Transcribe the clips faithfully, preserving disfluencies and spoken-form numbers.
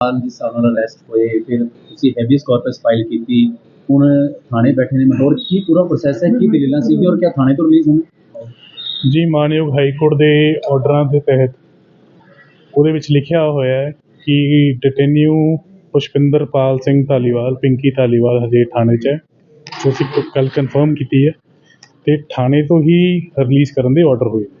जिस हिसाब नाल अरैसट होए फिर तुसीं हैबीयस कॉर्पस फाइल कीती हुण थाणे बैठे ने मतलब की पूरा प्रोसैस है की दलीलां सीगी और क्या थाणे तो रिलीज़ होणे जी मानयोग हाई कोर्ट के ऑर्डर के तहत ਉਹਦੇ ਵਿੱਚ ਲਿਖਿਆ ਹੋਇਆ ਹੈ ਕਿ ਡਿਟੇਨਿਊ ਪੁਸ਼ਪਿੰਦਰ ਪਾਲ ਸਿੰਘ ਧਾਲੀਵਾਲ ਪਿੰਕੀ ਧਾਲੀਵਾਲ ਹਜੇ ਥਾਣੇ 'ਚ ਹੈ ਜੋ ਅਸੀਂ ਕੱਲ੍ਹ ਕਨਫਰਮ ਕੀਤੀ ਹੈ ਅਤੇ ਥਾਣੇ ਤੋਂ ਹੀ ਰਿਲੀਜ਼ ਕਰਨ ਦੇ ਆਰਡਰ ਹੋਏ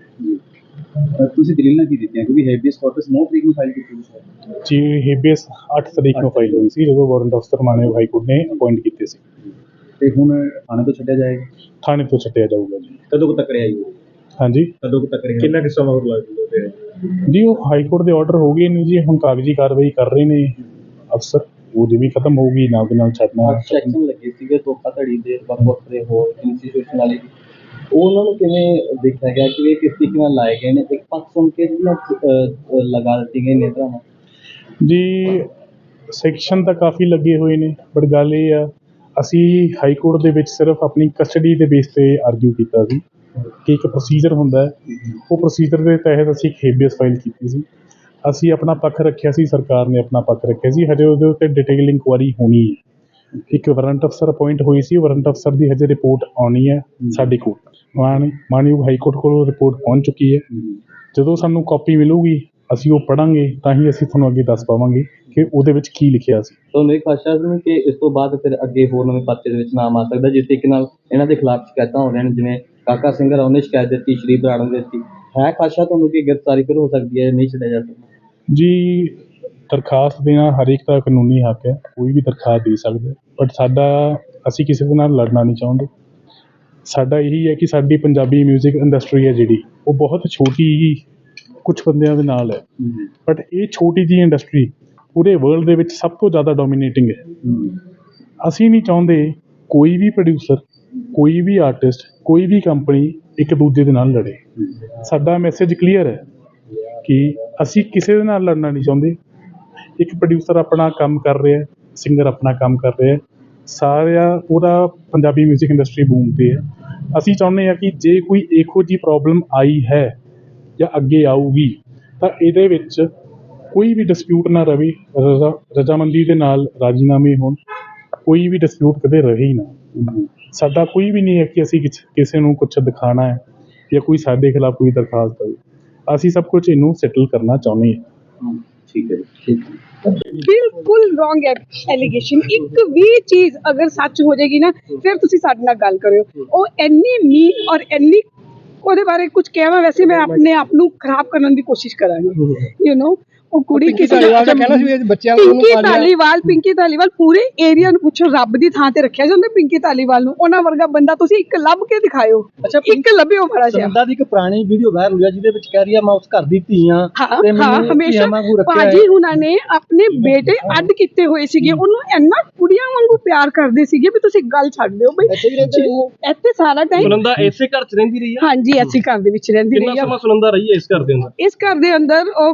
ਤੁਸੀਂ ਦਲੀਲਾਂ ਕੀ ਦਿੱਤੀਆਂ ਕਿਉਂਕਿ ਹੈਬੀਅਸ ਕਾਰਪਸ ਨੌਂ ਤਰੀਕ ਨੂੰ ਫਾਈਲ ਕੀਤੀ ਸੀ ਜੀ ਹੈਬੀਅਸ ਅੱਠ ਤਰੀਕ ਨੂੰ ਫਾਈਲ ਹੋਈ ਸੀ ਜਦੋਂ ਵਾਰੰਟ ਅਫਸਰ ਮਾਨਯੋਗ ਹਾਈ ਕੋਰਟ ਨੇ ਅਪਾਇੰਟ ਕੀਤੇ ਸੀ ਅਤੇ ਹੁਣ ਥਾਣੇ ਤੋਂ ਛੱਡਿਆ ਜਾਏਗਾ ਥਾਣੇ ਤੋਂ ਛੱਡਿਆ ਜਾਊਗਾ ਜੀ ਕਦੋਂ ਕੁ ਤੱਕ ਰਿਹਾ ਜੀ ਹਾਂਜੀ ਕਦੋਂ ਕੁ ਤੱਕ ਰਿਹਾ ਕਿੰਨਾ ਕੁ ਸਮਾਂ ਹੋਰ ਲੱਗ ਜੂਗਾ ਜੀ ਉਹ ਹਾਈ ਕੋਰਟ ਦੇ ਆਰਡਰ ਹੋ ਗਏ ਨੇ ਜੀ ਹੁਣ ਕਾਗਜ਼ੀ ਕਾਰਵਾਈ ਕਰ ਰਹੇ ਨੇ ਅਫਸਰ ਉਹ ਜਿਵੇਂ ਖਤਮ ਹੋਊਗੀ ਨਾਲ ਦੇ ਨਾਲ ਛੱਡਣਾ ਸੈਕਸ਼ਨ ਲੱਗੇ ਸੀਗੇ ਧੋਖਾਧੜੀ ਦੇ ਵੱਖ ਵੱਖ ਦੇ ਹੋਰ ਇੰਸਟੀਟਿਊਸ਼ਨ ਵਾਲੇ ਉਹਨਾਂ ਨੂੰ ਕਿਵੇਂ ਦੇਖਿਆ ਗਿਆ ਕਿ ਇਹ ਕਿਸ ਤਰੀਕੇ ਨਾਲ ਲਾਏ ਗਏ ਨੇ ਇੱਕ ਪੱਖ ਸੁਣ ਕੇ ਲਗਾ ਦਿੱਤੀ ਗਈ ਨੇਤਰਾਂ ਜੀ ਸੈਕਸ਼ਨ ਤਾਂ ਕਾਫੀ ਲੱਗੇ ਹੋਏ ਨੇ ਬਟ ਗੱਲ ਇਹ ਆ ਅਸੀਂ ਹਾਈ ਕੋਰਟ ਦੇ ਵਿੱਚ ਸਿਰਫ ਆਪਣੀ ਕਸਟਡੀ ਦੇ ਬੇਸ 'ਤੇ ਆਰਗਿਊ ਕੀਤਾ ਸੀ ਕਿ ਇੱਕ ਪ੍ਰੋਸੀਜਰ ਹੁੰਦਾ ਹੈ ਉਹ ਪ੍ਰੋਸੀਜਰ ਦੇ ਤਹਿਤ ਅਸੀਂ ਇੱਕ ਹੇਬੀਅਸ ਫਾਈਲ ਕੀਤੀ ਸੀ ਅਸੀਂ ਆਪਣਾ ਪੱਖ ਰੱਖਿਆ ਸੀ ਸਰਕਾਰ ਨੇ ਆਪਣਾ ਪੱਖ ਰੱਖਿਆ ਸੀ ਹਜੇ ਉਹਦੇ ਉੱਤੇ ਡਿਟੇਲ ਇਨਕੁਆਇਰੀ ਹੋਣੀ ਹੈ ਇੱਕ ਵਾਰੰਟ ਅਫਸਰ ਅਪਾਇੰਟ ਹੋਈ ਸੀ ਵਾਰੰਟ ਅਫਸਰ ਦੀ ਹਜੇ ਰਿਪੋਰਟ ਆਉਣੀ ਹੈ ਸਾਡੇ ਕੋਲ ਮਾਨ ਮਾਨਯੋਗ ਹਾਈ ਕੋਰਟ ਕੋਲ ਰਿਪੋਰਟ ਪਹੁੰਚ ਚੁੱਕੀ ਹੈ ਜਦੋਂ ਸਾਨੂੰ ਕਾਪੀ ਮਿਲੂਗੀ ਅਸੀਂ ਉਹ ਪੜ੍ਹਾਂਗੇ ਤਾਂ ਹੀ ਅਸੀਂ ਤੁਹਾਨੂੰ ਅੱਗੇ ਦੱਸ ਪਾਵਾਂਗੇ ਕਿ ਉਹਦੇ ਵਿੱਚ ਕੀ ਲਿਖਿਆ ਸੀ ਤੁਹਾਨੂੰ ਇਹ ਖਾਸ਼ਾ ਸੀ ਕਿ ਇਸ ਤੋਂ ਬਾਅਦ ਫਿਰ ਅੱਗੇ ਹੋਰ ਨਵੇਂ ਪਰਚੇ ਦੇ ਵਿੱਚ ਨਾਮ ਆ ਸਕਦਾ ਜਿਸ ਤਰੀਕੇ ਨਾਲ ਇਹਨਾਂ ਦੇ ਖਿਲਾਫ ਸ਼ਿਕਾਇਤਾਂ ਹੋ ਰਹੀਆਂ ਨੇ ਜਿਵੇਂ ਕਾਕਾ ਸਿੰਘ ਰਾਓ ਨੇ ਸ਼ਿਕਾਇਤ ਦਿੱਤੀ ਸ਼੍ਰੀ ਬਰਾੜ ਨੇ ਦਿੱਤੀ ਹੈ ਖਾਸ਼ਾ ਤੁਹਾਨੂੰ ਕਿ ਗ੍ਰਿਫਤਾਰੀ ਫਿਰ ਹੋ ਸਕਦੀ ਹੈ ਨਹੀਂ ਛੱਡਿਆ ਜਾ ਸਕਦਾ ਜੀ ਦਰਖਾਸਤ ਦੇਣਾ ਹਰ ਇੱਕ ਦਾ ਕਾਨੂੰਨੀ ਹੱਕ ਹੈ ਕੋਈ ਵੀ ਦਰਖਾਸਤ ਦੇ ਸਕਦਾ ਬਟ ਸਾਡਾ ਅਸੀਂ ਕਿਸੇ ਦੇ ਨਾਲ ਲੜਨਾ ਨਹੀਂ ਚਾਹੁੰਦੇ ਸਾਡਾ ਇਹੀ ਹੈ ਕਿ ਸਾਡੀ ਪੰਜਾਬੀ ਮਿਊਜ਼ਿਕ ਇੰਡਸਟਰੀ ਹੈ ਜਿਹੜੀ ਉਹ ਬਹੁਤ ਛੋਟੀ ਹੀ ਕੁਛ ਬੰਦਿਆਂ ਦੇ ਨਾਲ ਹੈ ਬਟ ਇਹ ਛੋਟੀ ਜਿਹੀ ਇੰਡਸਟਰੀ ਪੂਰੇ ਵਰਲਡ ਦੇ ਵਿੱਚ ਸਭ ਤੋਂ ਜ਼ਿਆਦਾ ਡੋਮੀਨੇਟਿੰਗ ਹੈ ਅਸੀਂ ਨਹੀਂ ਚਾਹੁੰਦੇ ਕੋਈ ਵੀ ਪ੍ਰੋਡਿਊਸਰ ਕੋਈ ਵੀ ਆਰਟਿਸਟ ਕੋਈ ਵੀ ਕੰਪਨੀ ਇੱਕ ਦੂਜੇ ਦੇ ਨਾਲ ਲੜੇ ਸਾਡਾ ਮੈਸੇਜ ਕਲੀਅਰ ਹੈ ਕਿ ਅਸੀਂ ਕਿਸੇ ਦੇ ਨਾਲ ਲੜਨਾ ਨਹੀਂ ਚਾਹੁੰਦੇ ਇੱਕ ਪ੍ਰੋਡਿਊਸਰ ਆਪਣਾ ਕੰਮ ਕਰ ਰਿਹਾ ਸਿੰਗਰ ਆਪਣਾ ਕੰਮ ਕਰ ਰਿਹਾ ਸਾਰਾ ਪੂਰਾ ਪੰਜਾਬੀ ਮਿਊਜ਼ਿਕ ਇੰਡਸਟਰੀ ਬੂਮ 'ਤੇ ਹੈ ਅਸੀਂ ਚਾਹੁੰਦੇ ਹਾਂ ਕਿ ਜੇ ਕੋਈ ਇਹੋ ਜਿਹੀ ਪ੍ਰੋਬਲਮ ਆਈ ਹੈ ਜਾਂ ਅੱਗੇ ਆਊਗੀ ਤਾਂ ਇਹਦੇ ਵਿੱਚ ਕੋਈ ਵੀ ਡਿਸਪਿਊਟ ਨਾ ਰਵੇ ਰਜ਼ਾ ਰਜ਼ਾਮੰਦੀ ਦੇ ਨਾਲ ਰਾਜੀਨਾਮੇ ਹੋਣ ਕੋਈ ਵੀ ਡਿਸਪਿਊਟ ਕਦੇ ਰਹੇ ਹੀ ਨਾ ਸਾਡਾ ਕੋਈ ਵੀ ਨਹੀਂ ਹੈ ਕਿ ਅਸੀਂ ਕਿਸੇ ਨੂੰ ਕੁਛ ਦਿਖਾਉਣਾ ਹੈ ਜਾਂ ਕੋਈ ਸਾਡੇ ਖਿਲਾਫ ਕੋਈ ਦਰਖਾਸਤ ਦੇਵੇ ਅਸੀਂ ਸਭ ਕੁਝ ਇਹਨੂੰ ਸੈਟਲ ਕਰਨਾ ਚਾਹੁੰਦੇ ਹਾਂ ਠੀਕ ਹੈ ਠੀਕ ਬਿਲਕੁਲ ਰੋਂਗ ਐਲੀਗੇਸ਼ਨ ਇੱਕ ਵੀ ਚੀਜ਼ ਅਗਰ ਸੱਚ ਹੋ ਜਾਏਗੀ ਨਾ ਫਿਰ ਤੁਸੀਂ ਸਾਡੇ ਨਾਲ ਗੱਲ ਕਰਿਓ ਉਹ ਇੰਨੀ ਮੀਨ ਔਰ ਇੰਨੀ ਉਹਦੇ ਬਾਰੇ ਕੁਝ ਕਹਿਣਾ ਵੈਸੇ ਮੈਂ ਆਪਣੇ ਆਪ ਨੂੰ ਖਰਾਬ ਕਰਨ ਦੀ ਕੋਸ਼ਿਸ਼ ਕਰਾਂਗੀ ਯੂ ਨੋ ਉਹ ਕੁੜੀ ਕਿਸੇ ਦਾ ਕਹਿਣਾ ਸੀ ਬੱਚਿਆਂ ਨੂੰ ਪਿੰਕੀ ਧਾਲੀਵਾਲ ਪਿੰਕੀ ਧਾਲੀਵਾਲ ਪੂਰੇ ਏਰੀਆ ਨੂੰ ਪੁੱਛੋ ਰੱਬ ਦੀ ਥਾਂ ਤੇ ਰੱਖਿਆ ਜਾਂਦਾ ਪਿੰਕੀ ਧਾਲੀਵਾਲ ਨੂੰ ਉਹਨਾਂ ਵਰਗਾ ਬੰਦਾ ਤੁਸੀਂ ਇੱਕ ਲੱਭ ਕੇ ਦਿਖਾਇਓ ਇੱਕ ਲੱਭਿਓ ਬੜਾ ਜਿਹਾ ਸੰਦਾ ਦੀ ਇੱਕ ਪੁਰਾਣੀ ਵੀਡੀਓ ਵਾਇਰਲ ਹੋਈ ਜਿਹਦੇ ਵਿੱਚ ਕਹਿ ਰਹੀ ਆ ਮੈਂ ਉਸ ਘਰ ਦੀ ਧੀ ਆ ਤੇ ਮੈਨੂੰ ਹਮੇਸ਼ਾ ਭਾਜੀ ਹੁਣਾਂ ਨੇ ਆਪਣੇ ਬੇਟੇ ਅੱਡ ਕੀਤੇ ਹੋਏ ਸੀਗੇ ਉਹਨੂੰ ਇੰਨਾ ਕੁੜੀਆਂ ਵਾਂਗੂ ਪਿਆਰ ਕਰਦੇ ਸੀਗੇ ਵੀ ਤੁਸੀਂ ਗੱਲ ਛੱਡ ਦਿਓ ਬਈ ਇੱਥੇ ਸਾਰਾ ਟਾਈਮ ਸੁਨੰਦਾ ਇਸੇ ਘਰ ਚ ਰਹਿੰਦੀ ਰਹੀ ਆ ਹਾਂਜੀ ਇਸੇ ਘਰ ਦੇ ਵਿੱਚ ਰਹਿੰਦੀ ਰਹੀ ਆ ਕਿੰਨਾ ਸਮਾਂ ਸੁਨੰਦਾ ਰਹੀ ਹੈ ਇਸ ਘਰ ਦੇ ਅੰਦਰ ਇਸ ਘਰ ਦੇ ਅੰਦਰ ਉਹ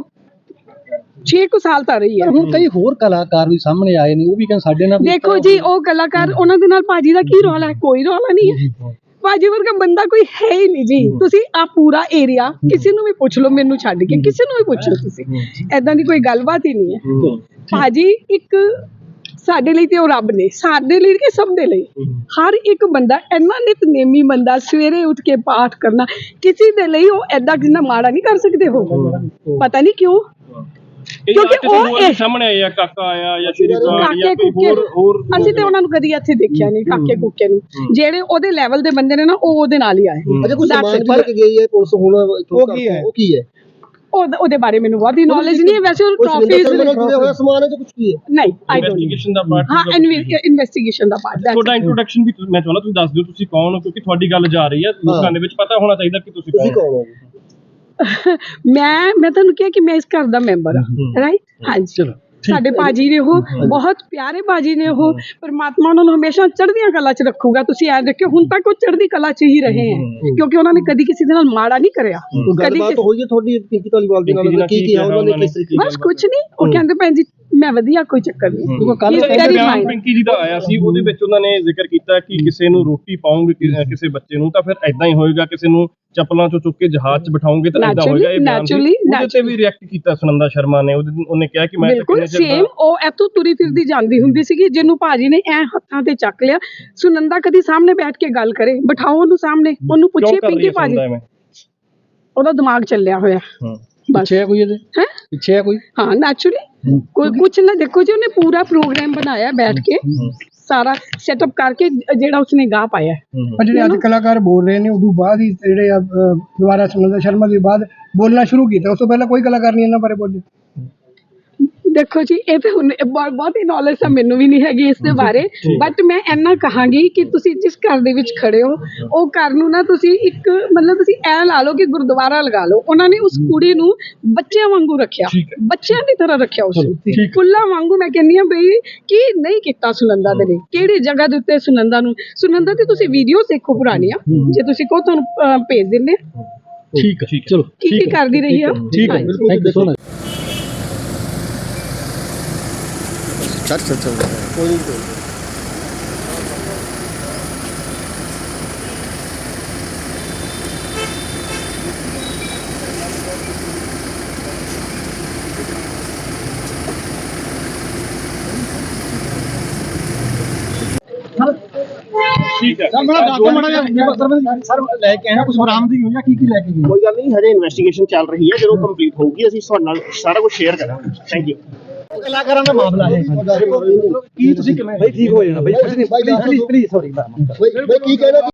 ਛੇ ਕੁ ਸਾਲ ਤਾਂ ਰਹੀ ਹੈ ਹੁਣ ਕਈ ਹੋਰ ਕਲਾਕਾਰ ਵੀ ਸਾਹਮਣੇ ਆਏ ਨੇ ਉਹ ਵੀ ਕਹਿੰਦੇ ਸਾਡੇ ਨਾਲ ਦੇਖੋ ਜੀ ਉਹ ਕਲਾਕਾਰ ਉਹਨਾਂ ਦੇ ਨਾਲ ਭਾਜੀ ਦਾ ਕੀ ਰੌਲਾ ਹੈ ਕੋਈ ਰੌਲਾ ਨਹੀਂ ਹੈ ਭਾਜੀ ਵਰਗਾ ਬੰਦਾ ਕੋਈ ਹੈ ਹੀ ਨਹੀਂ ਜੀ ਤੁਸੀਂ ਆ ਪੂਰਾ ਏਰੀਆ ਕਿਸੇ ਨੂੰ ਵੀ ਪੁੱਛ ਲਓ ਮੈਨੂੰ ਛੱਡ ਕੇ ਕਿਸੇ ਨੂੰ ਵੀ ਪੁੱਛ ਲਓ ਤੁਸੀਂ ਐਦਾਂ ਦੀ ਕੋਈ ਗੱਲਬਾਤ ਹੀ ਨਹੀਂ ਹੈ ਭਾਜੀ ਇੱਕ ਸਾਡੇ ਲਈ ਤੇ ਉਹ ਰੱਬ ਨੇ ਸਾਡੇ ਲਈ ਕਿ ਸਭ ਦੇ ਲਈ ਹਰ ਇੱਕ ਬੰਦਾ ਇੰਨਾ ਨਿਤਨੇਮੀ ਬੰਦਾ ਸਵੇਰੇ ਉੱਠ ਕੇ ਪਾਠ ਕਰਨਾ ਕਿਸੇ ਦੇ ਲਈ ਉਹ ਐਦਾਂ ਕਿੰਨਾ ਮਾੜਾ ਨਹੀਂ ਕਰ ਸਕਦੇ ਹੋ ਪਤਾ ਨਹੀਂ ਕਿਉਂ ਕਿਉਂਕਿ ਉਹ ਸਾਹਮਣੇ ਆਇਆ ਕਾਕਾ ਆਇਆ ਜਾਂ ਸ਼੍ਰੀ ਕਾਕੇ ਕੁੱਕੇ ਅਸੀਂ ਤੇ ਉਹਨਾਂ ਨੂੰ ਕਦੀ ਇੱਥੇ ਦੇਖਿਆ ਨਹੀਂ ਕਾਕੇ ਕੁੱਕੇ ਨੂੰ ਜਿਹੜੇ ਉਹਦੇ ਲੈਵਲ ਦੇ ਬੰਦੇ ਨੇ ਨਾ ਉਹ ਉਹਦੇ ਨਾਲ ਹੀ ਆਏ ਅੱਛਾ ਕੁਝ ਸਮਾਨ ਭਰ ਕੇ ਗਈ ਹੈ ਪੁਲਿਸ ਹੁਣ ਉਹ ਕੀ ਹੈ ਉਹ ਕੀ ਹੈ ਉਹਦੇ ਬਾਰੇ ਮੈਨੂੰ ਬਹੁਤ ਹੀ ਨੌਲੇਜ ਨਹੀਂ ਹੈ ਵੈਸੇ ਉਹ ਟਰਾਫੀਜ਼ ਹੋਇਆ ਸਮਾਨ ਹੈ ਜਾਂ ਕੁਝ ਕੀ ਹੈ ਨਹੀਂ ਆਈ ਡੋਨਟ ਇਨਵੈਸਟੀਗੇਸ਼ਨ ਦਾ ਪਾਰਟ ਹਾਂ ਇਨਵੈਸਟੀਗੇਸ਼ਨ ਦਾ ਪਾਰਟ ਤੁਹਾਡਾ ਇੰਟਰੋਡਕਸ਼ਨ ਵੀ ਮੈਂ ਚਾਹੁੰਦਾ ਤੁਸੀਂ ਦੱਸ ਦਿਓ ਤੁਸੀਂ ਕੌਣ ਹੋ ਕਿਉਂਕਿ ਤੁਹਾਡੀ ਗੱਲ ਜਾ ਰਹੀ ਹੈ ਲੋਕਾਂ ਦੇ ਵਿੱਚ ਪਤਾ ਹੋਣਾ ਚਾਹੀਦਾ ਕਿ ਤੁਸੀਂ ਕੌਣ ਹੋ ਮੈਂ ਮੈਂ ਤੁਹਾਨੂੰ ਕਿਹਾ ਕਿ ਮੈਂ ਇਸ ਘਰ ਦਾ ਮੈਂਬਰ ਹਾਂ ਰਾਈਟ ਹਾਂਜੀ ਸਾਡੇ ਭਾਜੀ ਨੇ ਉਹ ਬਹੁਤ ਪਿਆਰੇ ਭਾਜੀ ਨੇ ਉਹ ਪਰਮਾਤਮਾ ਉਹਨਾਂ ਨੂੰ ਹਮੇਸ਼ਾ ਚੜ੍ਹਦੀਆਂ ਕਲਾ 'ਚ ਰੱਖੂਗਾ ਤੁਸੀਂ ਐ ਦੇਖਿਓ ਹੁਣ ਤੱਕ ਉਹ ਚੜ੍ਹਦੀ ਕਲਾ 'ਚ ਹੀ ਰਹੇ ਹੈ ਕਿਉਂਕਿ ਉਹਨਾਂ ਨੇ ਕਦੀ ਕਿਸੇ ਦੇ ਨਾਲ ਮਾੜਾ ਨਹੀਂ ਕਰਿਆ ਕਦੀ ਹੋਈ ਹੈ ਤੁਹਾਡੀ ਪਿੰਕੀ ਧਾਲੀਵਾਲ ਦੇ ਨਾਲ ਕੀ ਕੀ ਉਹਨਾਂ ਨੇ ਕਿਸ ਤਰੀਕੇ ਬਸ ਕੁਝ ਨਹੀਂ ਉਹ ਕਹਿੰਦੇ ਭੈਣ ਜੀ ਮੈਂ ਵਧੀਆ, ਕੋਈ ਚੱਕਰ ਨਹੀਂ। ਕੱਲ It's very ਬਿਆਨ fine। ਪਿੰਕੀ ਜੀ ਦਾ ਆਇਆ ਸੀ, ਉਹਦੇ ਵਿੱਚ ਉਹਨਾਂ ਨੇ ਜ਼ਿਕਰ ਕੀਤਾ ਕਿ ਕਿਸੇ ਨੂੰ ਰੋਟੀ ਪਾਉਂਗੇ ਕਿਸੇ ਬੱਚੇ ਨੂੰ ਤਾਂ ਫਿਰ ਐਦਾਂ ਹੀ ਹੋਏਗਾ, ਕਿਸੇ ਨੂੰ ਚੱਪਲਾਂ ਚੋਂ ਚੁੱਕ ਕੇ ਜਹਾਜ਼ 'ਚ ਬਿਠਾਉਂਗੇ ਤਾਂ ਐਦਾਂ ਹੋਏਗਾ। ਇਹ ਬਿਆਨ ਸੀ, Naturally, ਉਹਦੇ ਤੇ ਵੀ ਰਿਐਕਟ ਕੀਤਾ ਸੁਨੰਦਾ ਸ਼ਰਮਾ ਨੇ। ਉਹਦੇ ਉਹਨੇ ਕਿਹਾ ਕਿ ਮੈਂ ਬਿਲਕੁਲ ਸੇਮ, ਉਹ ਇੱਥੋਂ ਤੁਰੀ ਫਿਰਦੀ ਜਾਂਦੀ ਹੁੰਦੀ ਸੀਗੀ, ਜਿਹਨੂੰ ਭਾਜੀ ਨੇ ਐ ਹੱਥਾਂ ਤੇ ਚੱਕ ਲਿਆ। ਸੁਨੰਦਾ ਕਦੀ ਸਾਹਮਣੇ ਬੈਠ ਕੇ ਗੱਲ ਕਰੇ, ਬਿਠਾਓ ਉਹਨੂੰ ਸਾਹਮਣੇ, ਉਹਨੂੰ ਪੁੱਛੇ ਪਿੰਕੀ ਭਾਜੀ, ਉਹਦਾ ਦਿਮਾਗ ਚੱਲਿਆ ਹੋਇਆ ਬਸ। ਪਿੱਛੇ ਹੈ ਕੋਈ ਇਹਦੇ ਹੈ ਪਿੱਛੇ ਹੈ ਕੋਈ ਹਾਂ ਨੈਚੁਰਲੀ ਕੋਈ ਕੁਛ ਨਾ। ਦੇਖੋ ਜੀ, ਉਹਨੇ ਪੂਰਾ ਪ੍ਰੋਗਰਾਮ ਬਣਾਇਆ ਬੈਠ ਕੇ, ਸਾਰਾ ਸੈਟਅਪ ਕਰਕੇ, ਜਿਹੜਾ ਉਸਨੇ ਗਾ ਪਾਇਆ। ਪਰ ਜਿਹੜੇ ਅੱਜ ਕਲਾਕਾਰ ਬੋਲ ਰਹੇ ਨੇ, ਉਦੋਂ ਬਾਅਦ ਹੀ ਜਿਹੜੇ ਆ, ਅਹ, ਦੁਬਾਰਾ ਸੁਨੰਦਾ ਸ਼ਰਮਾ ਦੇ ਬਾਅਦ ਬੋਲਣਾ ਸ਼ੁਰੂ ਕੀਤਾ। ਉਸ ਤੋਂ ਪਹਿਲਾਂ ਕੋਈ ਕਲਾਕਾਰ ਨਹੀਂ ਇਹਨਾਂ ਬਾਰੇ ਬੋਲੇ। ਦੇਖੋ ਜੀ, ਇਹ ਤੇ ਹੁਣ ਬਹੁਤ ਬਹੁਤੀ ਨੌਲੇਜ ਤਾਂ ਮੈਨੂੰ ਵੀ ਨਹੀਂ ਹੈਗੀ ਇਸ ਦੇ ਬਾਰੇ, ਬਟ ਮੈਂ ਇੰਨਾ ਕਹਾਂਗੀ ਕਿ ਤੁਸੀਂ ਜਿਸ ਘਰ ਦੇ ਵਿੱਚ ਖੜੇ ਹੋ, ਉਹ ਘਰ ਨੂੰ ਨਾ ਤੁਸੀਂ ਇੱਕ ਮਤਲਬ ਤੁਸੀਂ ਐ ਲਾ ਲਓ ਕਿ ਗੁਰਦੁਆਰਾ ਲਗਾ ਲਓ। ਉਹਨਾਂ ਨੇ ਉਸ ਕੁੜੀ ਨੂੰ ਬੱਚਿਆਂ ਵਾਂਗੂ ਰੱਖਿਆ, ਬੱਚਿਆਂ ਦੀ ਤਰ੍ਹਾਂ ਰੱਖਿਆ ਉਸ ਨੂੰ, ਫੁੱਲਾਂ ਵਾਂਗੂ। ਮੈਂ ਕਹਿੰਦੀ ਹਾਂ ਬਈ ਕੀ ਨਹੀਂ ਕੀਤਾ ਸੁਨੰਦਾ ਦੇ ਲਈ, ਕਿਹੜੀ ਜਗ੍ਹਾ ਦੇ ਉੱਤੇ ਸੁਨੰਦਾ ਨੂੰ, ਸੁਨੰਦਾ ਦੀ ਤੁਸੀਂ ਵੀਡੀਓ ਦੇਖੋ ਪੁਰਾਣੀਆਂ, ਜੇ ਤੁਸੀਂ ਕਹੋ ਤੁਹਾਨੂੰ ਅਹ, ਭੇਜ ਦਿੰਦੇ। ਠੀਕ ਹੈ, ਚਲੋ ਕੀ ਕੀ ਕਰਦੀ ਰਹੀ ਆ। ਠੀਕ ਹੈ, ਬਿਲਕੁਲ। ਚੱਲ ਚੱਲ ਚੱਲ ਕੋਈ ਨਹੀਂ ਕੋਈ ਠੀਕ ਹੈ। ਸਰ ਲੈ ਕੇ ਆਣਾ ਕੁਝ ਬਰਾਮਦਗੀ ਹੋਈ ਆ, ਕੀ ਕੀ ਲੈ ਕੇ ਗਏ? ਕੋਈ ਗੱਲ ਨਹੀਂ, ਹਜੇ ਇਨਵੈਸਟੀਗੇਸ਼ਨ ਚੱਲ ਰਹੀ ਹੈ। ਜਦੋਂ ਕੰਪਲੀਟ ਹੋਊਗੀ ਅਸੀਂ ਤੁਹਾਡੇ ਨਾਲ ਸਾਰਾ ਕੁਝ ਸ਼ੇਅਰ ਕਰਾਂਗੇ। Thank you. ਕਲਾਕਾਰਾਂ ਦਾ ਮਾਮਲਾ ਹੈ ਕੀ ਤੁਸੀਂ ਕਿਵੇਂ ਬਈ ਠੀਕ ਹੋ ਜਾਣਾ ਬਈ, ਪਲੀਜ਼ ਪਲੀਜ਼ ਪਲੀਜ਼ ਸੌਰੀ ਬਈ ਕੀ ਕਹਿਣਾ